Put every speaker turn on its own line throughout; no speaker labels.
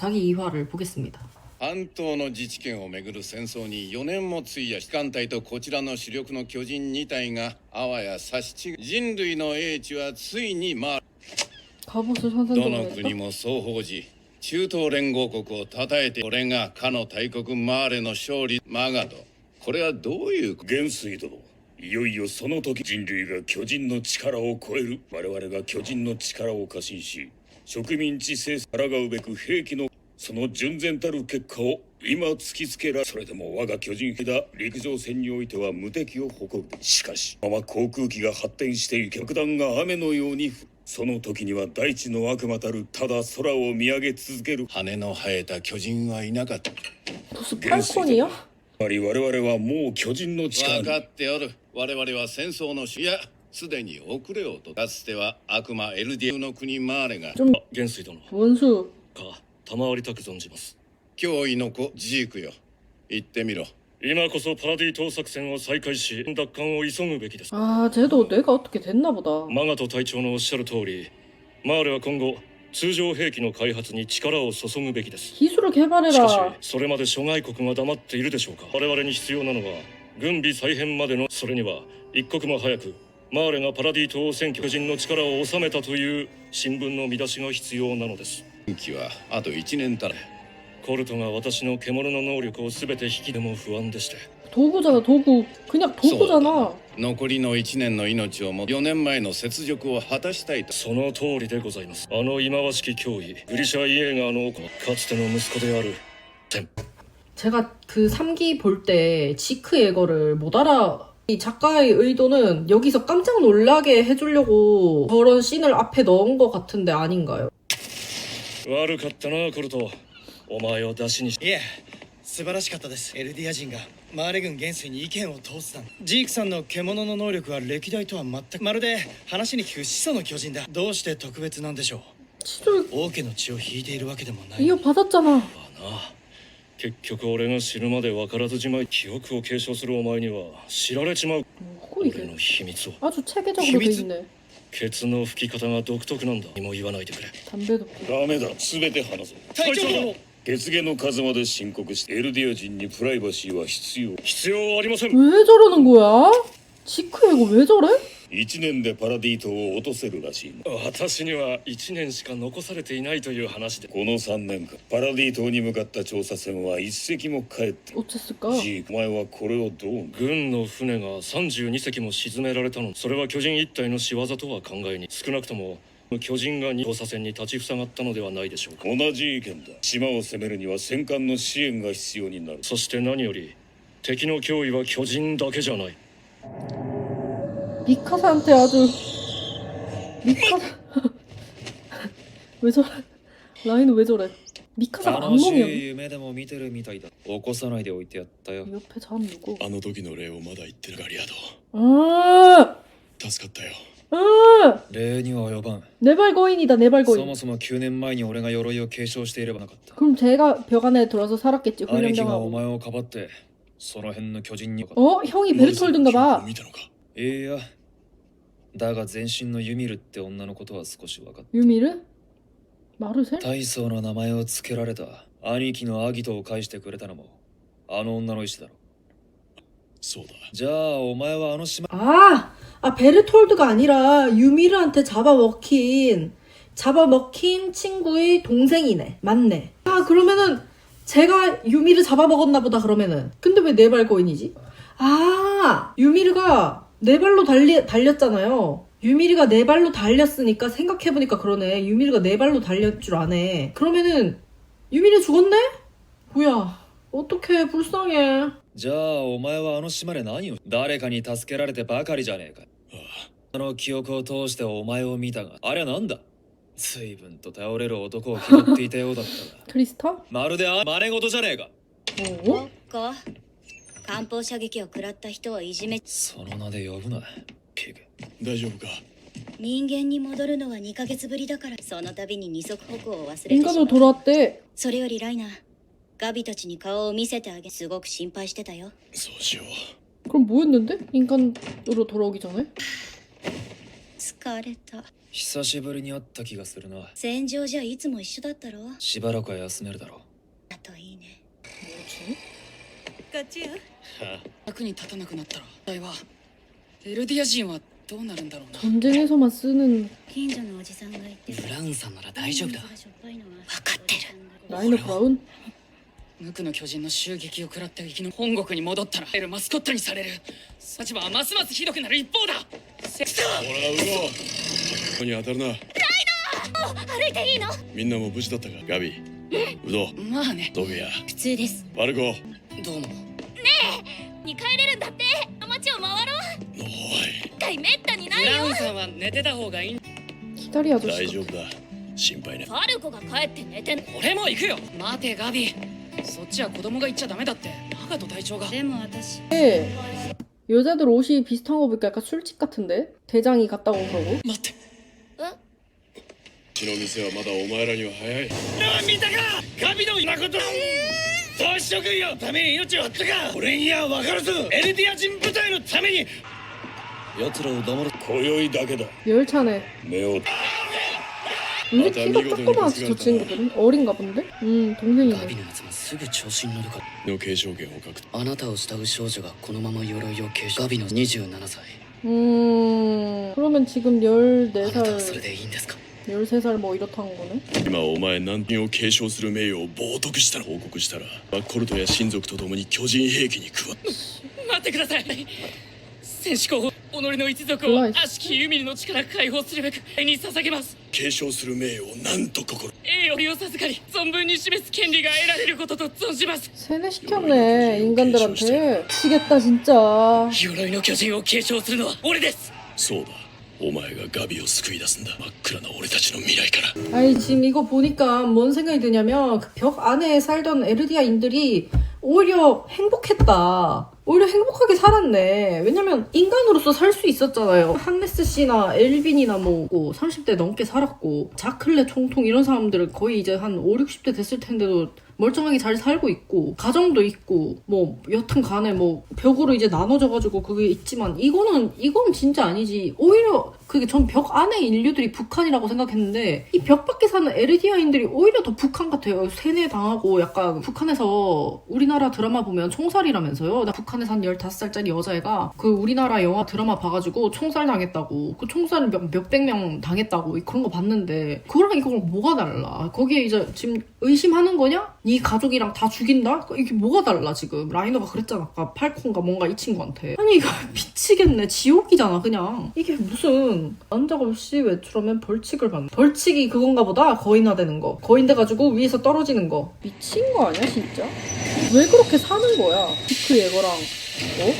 사기 2화를 보겠습니다.
半島の自治権をめぐる戦争に4年も費やし艦隊とこちらの主力の巨人2体があわや差し違い人類の英知はついにどの国も双方時中東連合国を称えてこれがかの大国マーレの勝利マガドこれはどういう
元帥殿いよいよその時人類が巨人の力を超える我々が巨人の力を過信し植民地政府抗うべく兵器のその純然たる結果を今突きつけらそれでも我が巨人兵だ陸上戦においては無敵を誇るしかし今は航空機が発展していき爆弾が雨のようにその時には大地の悪魔たるただ空を見上げ続ける
羽の生えた巨人はいなかった
元帥よ
つまり我々はもう巨人の力に
分かっておる我々は戦争のいやすでに遅れようとかつては悪魔エルディアの国マーレが
좀
元帥殿
원수
か賜りたく存じます。
脅威の子ジークよ言ってみろ
今こそパラディ島作戦を再開し奪還を急ぐべきです。
아 쟤도 뇌가 어떻게 됐나 보다.
マガト隊長のおっしゃる通りマーレは今後通常兵器の開発に力を注ぐべきです。
기술을
しかし
개발해라.
それまで諸外国が黙っているでしょうか。我々に必要なのは軍備再編までのそれには一刻も早くマーレがパラディ島を占拠巨人の力を収めたという新聞の見出しが必要なのです。
任期はあと1年たれ
コルトが私の獣の能力を全て引きでも不安でして
도구잖아 도구. 그냥 도구잖아.
残りの1年の命をも4年前の雪辱を果たしたいと
その通りでございます。あの忌まわしき脅威グリシャ・イエーガーのかつての息子であるテン
제가 그 3기 볼 때 지크 예거를 못 알아. 이 작가의 의도는 여기서 깜짝 놀라게 해주려고 저런 씬을 앞에 넣은 것 같은데 아닌가요?
悪かったなコルトお前を出しにし
いえ素晴らしかったです。エルディア人がマーレ軍元帥に意見を通すなんジークさんの獣の能力は歴代とは全くまるで話に聞く始祖の巨人だ。どうして特別なんでしょう。
치를
王家の血を引いているわけでもない。
이어받았잖아.
な結局俺が死ぬまで分からずじまい記憶を継承するお前には知られちまう
뭐
俺
이게
の秘密を
아주 체계적으로 돼 있네.
ケツの吹き方が独特なんだにも言わないでくれ
담배도 피고.
ダメだ全て話そう
隊長殿
血毛の数まで申告してエルディア人にプライバシーは必要
必要ありません
왜 저러는 거야? 지크 예거 왜 저래?
1年でパラディ島を落とせるらしいな
私には1年しか残されていないという話で
この3年間パラディ島に向かった調査船は一隻も帰って
어쨌을까?
ジークお前はこれをどう
軍の船が32隻も沈められたのそれは巨人一体の仕業とは考えに少なくとも巨人が調査船に立ちふさがったのではないでしょうか
同じ意見だ島を攻めるには戦艦の支援が必要になる
そして何より敵の脅威は巨人だけじゃない
미카사한테 아주 미카사 왜 저래? 라인은 왜 저래? 미카사
楽し
악몽이야.
い夢でも見てるみたいだ。起こさないでおいてやったよ。
옆에 자는 누구?
あの時の礼をまだ言ってるガリアド
아,
助かったよ
아,
礼には及ばん。
내발거인이다
そ
내발거인.
もそも9年前に俺が鎧を継承していればなかった。
그럼 제가 벽 안에 들어서 살았겠지
兄貴がお
훈련당하고.
前をかばって、その辺の巨人に。
어? 형이 베르톨드인가 봐.
見たのか
いや。だが全身のユミルって女のことは少し分かった。
유미르? 마르셀?
大層の名前を付けられた兄貴のアギトを返してくれたのも、あの女の意志だろ。
そうだ
じゃあお前はあの島
아, 베르톨드가 아니라 유미르한테 잡아먹힌 친구의 동생이네. 맞네. 아, 그러면은 제가 유미르 잡아먹었나 보다, 그러면은. 근데 왜 네 발거인이지? 아, 유미르가 네 발로 달렸잖아요. 유미르가 네 발로 달렸으니까 생각해보니까 그러네. 유미르가 네 발로 달릴 줄 아네. 그러면은 유미르 죽었네? 뭐야. 어떡해, 불쌍해.
じゃあお前はあの島で何を誰かに助けられてばかりじゃねえか。あの記憶を通してお前を見たが、あれはなんだ随分と頼れる男を気取っていたようだったが
크리스타?
まるで真似事じゃねえか。
어?
か艦砲射撃を食らった人をいじめ
その名で呼ぶなピグ。
大丈夫か
人間に戻るのは2ヶ月ぶりだからその度に二足歩行を忘れてしま
인간으로
う
돌아왔대.
それよりライナーガビたちに顔を見せてあげすごく心配してたよ
そうしよう
그럼 뭐였는데? 인간으로 돌아오기 전에?
疲れた。
久しぶりに会った気がするな。
戦場じゃいつも一緒だったろ。
しばらくは休めるだろう。
あといいね。
こっちよ。役に立たなくなったら問題はエルディア人はどうなるんだろうな。
전쟁에서만 쓰는
近所のおじさんがいて。
ブラウンさんなら大丈夫だ。
分か
ってる。
라이너 브라운?
無垢の巨人の襲撃を食らって生きの本国に戻ったらエルマスコットにされる。立場はますますひどくなる一方だ。セクサ
ほらウドここに当たるな。ライ
歩いていいの？
みんなも無事だったか。ガビ、ウド、
まあね。
ドビア、
普通です。
バルコ。
どうも。
に帰れるんだって。街を回ろう。
おい、
一回めったにな
ブ
いよ。
ラウンさんは寝てた方がいい。
기다리
大
아저씨
丈夫だ。心配ね。
ファルコが帰って寝てん。
俺も行くよ。待てガビ。そっちは子供が行っちゃダメだって。長門隊長が。
でも私。
여자들 옷이 비슷한 거 보니까 약간 술집 같은데? 대장이 갔다 온 거고
待って。
うちの店はまだお前らには早い。
見たかガビの誠同志諸君よために命を張ったか。俺には分かるぞ。エルディア人部隊のために。
奴らを黙る今宵だけだ。
열차네
目を
근데 키가 조그맣지 저 친구들은? 어린가 본데? 동생이네
ガビのやつもすぐ調子に乗るから。
の継承権を獲得。
あなたを慕う少女がこのまま鎧を継承。ガビの27歳。
그러면 지금
あなたは
14살
それでいいんですか。
13살 뭐 이렇다는 거네?
今お前何人を継承する名誉を冒涜したら報告したらバッコルトや親族と共に巨人兵器に加わっ
待ってください。戦士候補、己の一族を
怖い
悪しきユミルの力解放するべく愛に捧げます。
継承する名誉をなんと心。
栄誉を授かり存分に示す権利が得られることと存じます。
세뇌시켰네 인간들한테 미치겠다 진짜
鎧の巨人を継承するのは俺です。
そうだ、お前がガビを救い出すんだ。真っ暗な俺たちの未来から。
아니 지금 이거 보니까 뭔 생각이 드냐면 그 벽 안에 살던 에르디아인들이 오히려 행복했다. 오히려 행복하게 살았네. 왜냐면 인간으로서 살 수 있었잖아요. 한네스 씨나 엘빈이나 뭐 30대 넘게 살았고 자클레 총통 이런 사람들은 거의 이제 한 5, 60대 됐을 텐데도 멀쩡하게 잘 살고 있고 가정도 있고 뭐 여튼 간에 뭐 벽으로 이제 나눠져가지고 그게 있지만 이건 진짜 아니지. 오히려 그게 전 벽 안에 인류들이 북한이라고 생각했는데 이 벽 밖에 사는 에르디아인들이 오히려 더 북한 같아요. 세뇌당하고 약간 북한에서 우리나라 드라마 보면 총살이라면서요. 나 북한에서 한 15살짜리 여자애가 그 우리나라 영화 드라마 봐가지고 총살 당했다고 그 총살을 몇백 명 당했다고 그런 거 봤는데 그거랑 이거랑 뭐가 달라. 거기에 이제 지금 의심하는 거냐? 네 가족이랑 다 죽인다? 이게 뭐가 달라 지금. 라이너가 그랬잖아 아까 팔콘가 뭔가 이 친구한테. 아니 이거 미치겠네. 지옥이잖아 그냥. 이게 무슨 난적 없이 외출하면 벌칙을 받는. 벌칙이 그건가 보다. 거인화되는 거. 거인 돼가지고 위에서 떨어지는 거. 미친 거 아니야 진짜? 왜 그렇게 사는 거야? 그 예거랑 어?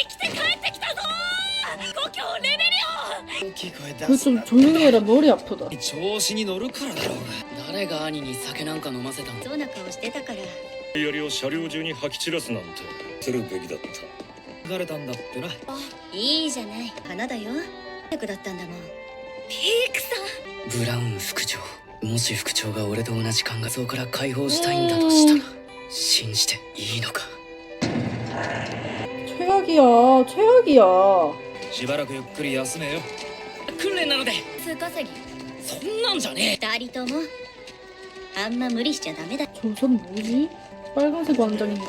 大きい声出
그
す
좀
な。
조용히 해라. 머리 아프다.
調子に乗るからだろうが。
誰が兄に酒なんか飲ませたの。
そうな顔してたから。
槍を車両中に吐き散らすなんて
するべきだった。
流れたんだってな。
いいじゃない。花だよ。役だったんだもん。ピークさん。
ブラウン副長。もし副長が俺と同じ考えそうから解放したいんだとしたら信じていいのか。
최악이야. 최악이야.
しばらくゆっくり休めよ。
訓練なので
数稼ぎ。
そんなんじゃね
二人とも。あんま無理しちゃダメだ。
저선 뭐지? 빨간색 완장인데?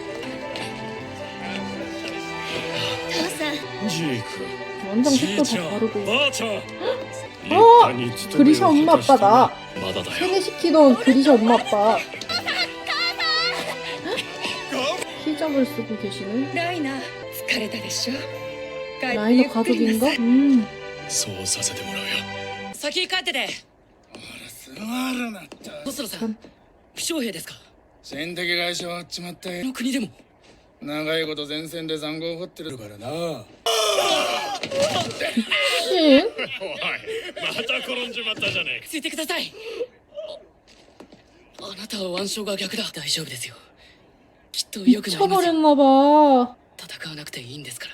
父さん。
ジーク
완장
じい
색도
ち
다
ゃん
다르고
ばあちゃん
그리샤 엄마 아빠다.
まだだよ
세뇌시키던 그리샤 엄마 아빠. 히잡을 쓰고 계시는
ライナ疲れたでしょ。
라이너 가족인가?
そうさせてもらうよ。
先帰ってて。
座るなって。
細野さん負傷兵ですか。
戦的外傷はっちまった
こ
よ。
の国でも
長いこと前線で塹壕を掘ってるからな。
신?
また転んじまったじゃねえか。
ついてください。あなたは腕章が逆だ。大丈夫ですよ。きっと良くなりますよ。
미쳐버렸나봐.
戦わなくていいんですから。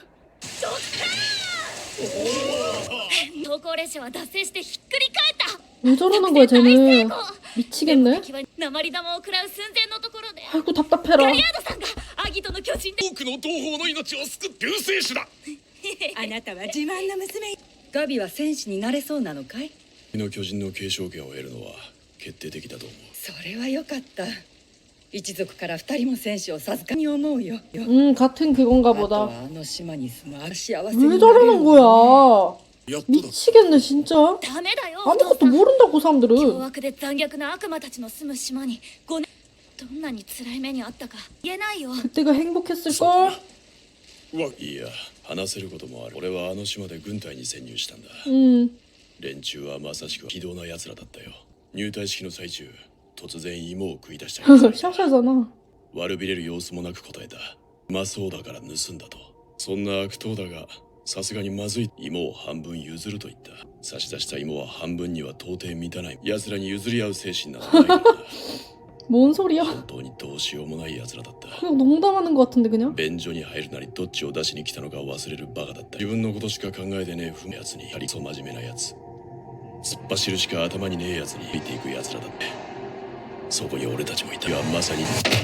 投稿列車は脱線してひっくり返った。
왜 저러는 거야 쟤는. 미치겠네.
鉛玉を食らう寸前のところで
아이고 답답해라.
ガリアードさんがアギトの巨人で
多くの同胞の命を救って救世主だ。
あなたは自慢の娘。
ガビは戦士になれそうなのかい？
の巨人の継承権を得るのは決定的だと思う。
それはよかった。一族から二人も戦士を授かに思うよ。
같은 그건가
あと
보다.
はあの島に住む幸せ
왜
になれる
저러는 거야?
やっとだ。
미치겠네 진짜.
ダメだよお父
아무것도
さん
모른다고
凶
사람들은.
悪で残虐な悪魔たちの住む島に5年どんなに辛い目にあったか言えないよ
그때가 행복했을걸?
いや、話せることもある。俺はあの島で軍隊に潜入したんだ。 連中はまさしく非道な奴らだったよ。入隊式の最中、突然芋を食い出したり
샤샤잖아.
悪びれる様子もなく答えた。うまそうだから盗んだと。そんな悪党だが、さすがにまずい。芋を半分譲ると言った。差し出した芋は半分には到底満たない。奴らに譲り合う精神などないからな。
뭔 소리야?
本当にどうしようもない奴らだった。
그냥 농담하는 것 같은데 그냥?
便所に入るなりどっちを出しに来たのか忘れるバカだった。自分のことしか考えてねえ不明やつにやりそう真面目なやつ。突っ走るしか頭にねえやつに見ていくやつらだって。そこに俺たちもいた。いやまさに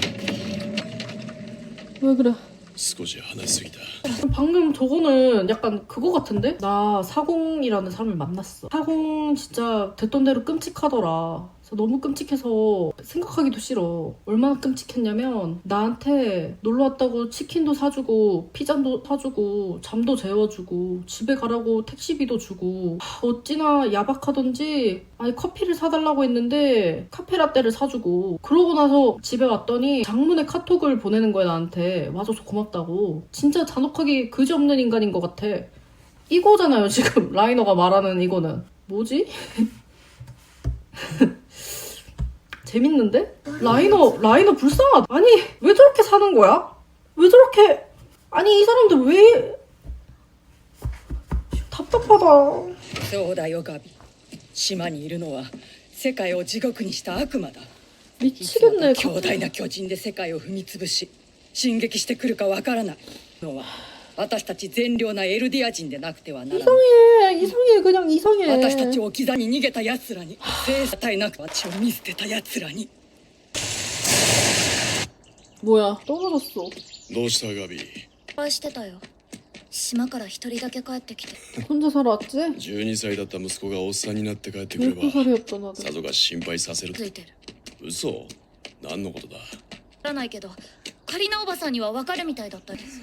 왜 그래?
少し話しすぎた。
방금 저거는 약간 그거 같은데? 나 사공이라는 사람을 만났어. 사공 진짜 됐던 대로 끔찍하더라. 그래서 너무 끔찍해서 생각하기도 싫어. 얼마나 끔찍했냐면 나한테 놀러 왔다고 치킨도 사주고 피자도 사주고 잠도 재워주고 집에 가라고 택시비도 주고 어찌나 야박하던지 아니 커피를 사달라고 했는데 카페라떼를 사주고 그러고 나서 집에 왔더니 장문의 카톡을 보내는 거야 나한테 와줘서 고맙다고. 진짜 잔혹하게 그지없는 인간인 것 같아. 이거잖아요 지금 라이너가 말하는 이거는. 뭐지? 재밌는데? 라이너 불쌍하다. 아니 왜 저렇게 사는 거야? 왜 저렇게 아니 이 사람들 왜 답답하다.
そうだよガビ。島にいるのは世界を地獄にした悪魔だ。
미치겠네.
強大な巨人で世界を踏み潰し進撃してくるかわからないのは私たち善良なエルディア人でなくてはならない。
이상해 그냥 이상해.
私たちを置き去りに逃げた奴らに制裁絶えなく私を見捨てた奴らに
뭐야 떨어졌어.
どうしたガビ。
心配してたよ島から一人だけ帰ってきて
혼자 살아 왔지?
12歳だった息子がおっさんになって帰ってくれば
12살이었다 나도.
さぞが心配させる。
ついてる
嘘。何のことだ。
わからないけどカリナおばさんには分かるみたいだったです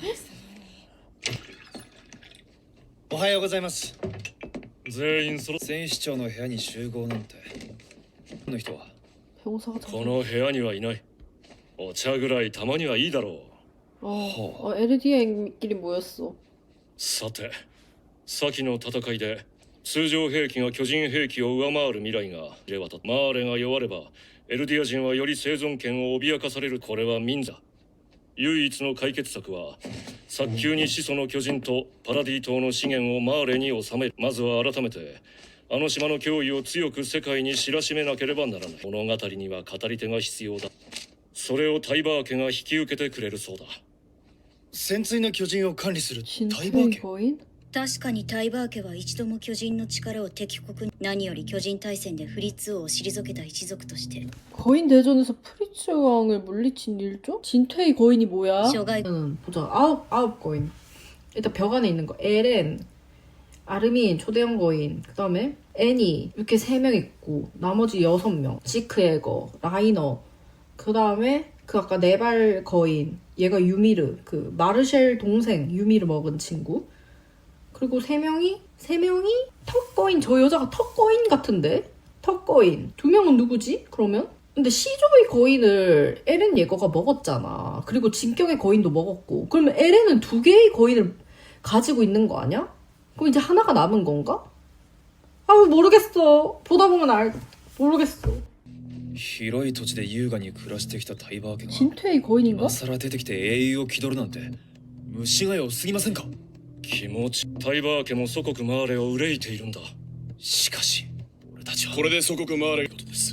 おはようございます。
全員そろ
戦士長の部屋に集合なんて。この人は
병사가
この部屋にはいない。お茶ぐらいたまにはいいだろう。
LDA끼리 모였어.
さて、先の戦いで通常兵器が巨人兵器を上回る未来がれ渡った。マーレが弱ればエルディア人はより生存権を脅かされる。これは民だ。唯一の解決策は早急に始祖の巨人とパラディ島の資源をマーレに収める。まずは改めてあの島の脅威を強く世界に知らしめなければならない。物語には語り手が必要だ。それをタイバー家が引き受けてくれるそうだ。
潜水の巨人を管理するタイバ
진퇴의
ー家。
거인?
確かにタイバー家は一度も巨人の力を敵国に何より巨人大戦でフリッツ王を退けた一族として
거인 대전에서 프리츠 왕을 물리친 일조? 진퇴의 거인이 뭐야?
諸外
보자. 아홉 거인. 일단 벽 안에 있는 거. 에렌, 아르민, 초대형 거인. 그 다음에 애니 이렇게 3명 있고 나머지 6명. 지크에거, 라이너. 그 다음에 그 아까 네발 거인. 얘가 유미르. 그 마르쉘 동생 유미르 먹은 친구. 그리고 3명이 턱거인. 저 여자가 턱거인 같은데? 턱거인. 2명은 누구지? 그러면? 근데 시조의 거인을 에렌 예거가 먹었잖아. 그리고 진격의 거인도 먹었고. 그러면 에렌은 2개의 거인을 가지고 있는 거 아니야? 그럼 이제 하나가 남은 건가? 아 모르겠어. 보다 보면 모르겠어.
広い土地で優雅に暮らしてきたタイバー家が
진퇴의 거인인가?
今更出てきて英雄を気取るなんて虫が良すぎませんか。
気持ちタイバー家も祖国マーレを憂いているんだ。
しかし俺たちは
これで祖国回れることです。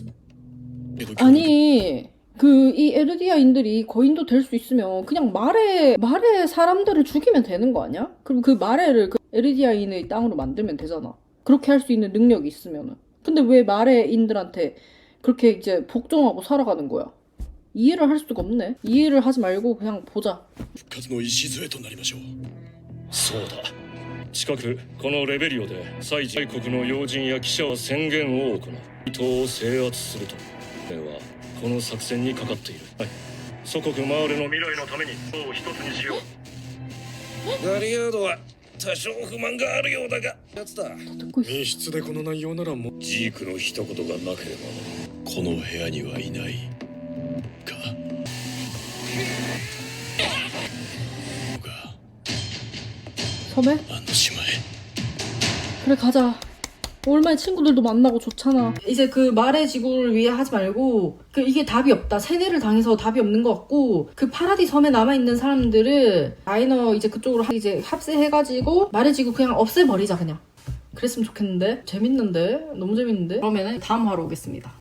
아니 이 에르디아인들이 거인도 될 수 있으면 그냥 말에 사람들을 죽이면 되는 거 아니야? 그럼 그 마레를 그 에르디아인의 땅으로 만들면 되잖아. 그렇게 할 수 있는 능력이 있으면은. 근데 왜 마레인들한테 그렇게 이제 복종하고 살아가는 거야? 이해를 할 수가 없네. 이해를 하지 말고 그냥 보자.
復活の礎となりましょう。
そうだ。 近くこのレベリオで祭事国の要人や記者は宣言を行う。伊東を制圧すると。ではこの作戦にかかっている。はい。祖国マーレの未来のために党を一つにしよう。
ガリアードは多少不満があるようだがやつだ。
듣고 있어.
密室でこの内容ならもうジークの一言がなければこの部屋にはいないか。
섬에?
あの島へ
그래 가자. 오랜만에 친구들도 만나고 좋잖아. 이제 그 말의 지구를 위해 하지 말고 그 이게 답이 없다. 세뇌를 당해서 답이 없는 것 같고 그 파라디 섬에 남아있는 사람들을 라이너 이제 그쪽으로 이제 합세해가지고 말의 지구 그냥 없애버리자 그냥. 그랬으면 좋겠는데? 재밌는데? 너무 재밌는데? 그러면은 다음 화로 오겠습니다.